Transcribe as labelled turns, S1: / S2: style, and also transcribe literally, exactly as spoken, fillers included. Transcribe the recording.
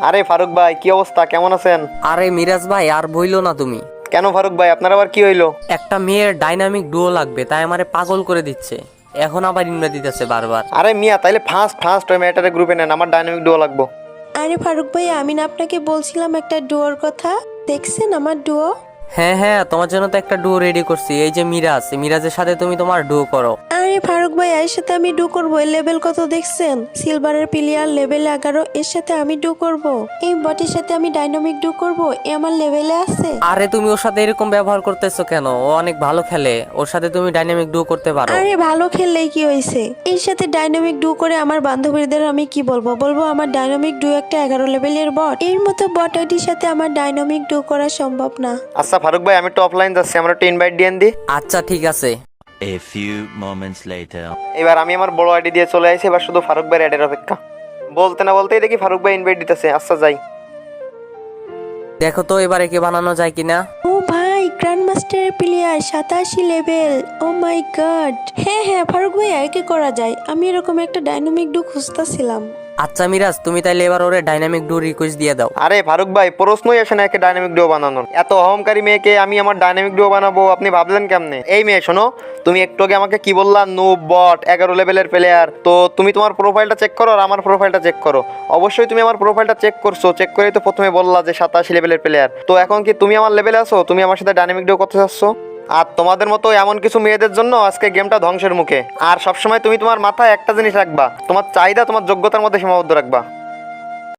S1: আরে ফারুক ভাই, কি অবস্থা, কেমন আছেন?
S2: আরে মিরাজ ভাই, আর বইলো না তুমি।
S1: কেন ফারুক ভাই, আপনার আবার কি হইলো?
S2: একটা মেয়ের ডাইনামিক ডুও লাগবে, তাই আমারে পাগল করে দিচ্ছে। এখন আবার ইনভাইট দিতেছে বারবার।
S1: আরে মিয়া, তাইলে ফার্স্ট ফার্স্ট ওই মেয়েটারে গ্রুপে নেন, আমার ডাইনামিক ডুও লাগবো।
S3: আরে ফারুক ভাই, আমি না আপনাকে বলছিলাম একটা ডুয়োর কথা। দেখছেন আমার ডুয়ো?
S2: হ্যাঁ হ্যাঁ, তোমার জন্য তো একটা ডুও রেডি করছি। এই যে মিরাজ, এই মিরাজের সাথে তুমি তোমার ডুও করো।
S3: আরে ফারুক ভাই, এর সাথে আমি ডু করবো। এর লেভেল কত দেখছেন? সিলভারের প্লেয়ার, লেভেল এগারো। এর সাথে আমি ডু করব। এই বটির সাথে আমি ডাইনামিক ডু করব। এ আমার লেভেলে আছে।
S2: আরে তুমি ওর সাথে এরকম ব্যবহার করতেছো কেন? ও অনেক ভালো খেলে, ওর সাথে তুমি ডাইনামিক ডুও করতে পারো।
S3: আরে ভালো খেললেই কি হয়েছে? এর সাথে ডাইনামিক ডু করে আমার বান্ধবীদের আমি কি বলবো? বলবো আমার ডাইনামিক ডু একটা এগারো লেভেলের বট। এর মতো বট আইডির সাথে আমার ডাইনামিক ডু করা সম্ভব না।
S1: আচ্ছা ফারুক ভাই, আমি একটু অফলাইন যাচ্ছি, আমার একটু ইনভাইট দিয়েন দি।
S2: আচ্ছা ঠিক আছে।
S4: A few moments later.
S1: এবার আমি আমার বড় আইডি দিয়ে চলে আসি, এবার শুধু ফারুক ভাইয়ের অ্যাডের অপেক্ষা। বলতে না বলতেই দেখি ফারুক ভাই ইনভাইট দিতেছে। আচ্ছা যাই।
S2: দেখো তো এবারে কে বানানো যায় কিনা।
S3: ও ভাই, গ্র্যান্ড মাস্টারের প্লেয়ার, সাতাশি লেভেল। ও মাই গড। হ্যাঁ হ্যাঁ ফারুক ভাই, আর কি করা যায়? আমি এরকম একটা ডাইনামিক ডু খুঁজতেছিলাম।
S2: আচ্ছা মিরাজ, তুমি তাইলে এবার ওরে ডাইনামিক ডু রিকোয়েস্ট দিয়ে দাও।
S1: আরে ফারুক ভাই, প্রশ্নই আসে না একে ডাইনামিক ডুও বানানোর। এত অহংকারী মেয়েকে আমি আমার ডাইনামিক ডুও বানাবো, আপনি ভাবলেন কেমনে? এই মেয়ে শোনো, তুমি একটু আগে আমাকে কি বললা? নো বট, এগারো লেভেলের প্লেয়ার। তো তুমি তোমার প্রোফাইলটা চেক করো আর আমার প্রোফাইলটা চেক করো। অবশ্যই তুমি আমার প্রোফাইলটা চেক করছো, চেক করেই তো প্রথমে বললা যে সাতাশি লেভেলের প্লেয়ার। তো এখন কি তুমি আমার লেভেলে আছো? তুমি আমার সাথে ডাইনামিক ডুও করতে চাচ্ছ? আর তোমাদের মতো এমন কিছু মেয়েদের জন্য আজকে গেমটা ধ্বংসের মুখে। আর সবসময় তুমি তোমার মাথায় একটা জিনিস রাখবা, তোমার চাহিদা তোমার যোগ্যতার মধ্যে সীমাবদ্ধ রাখবা।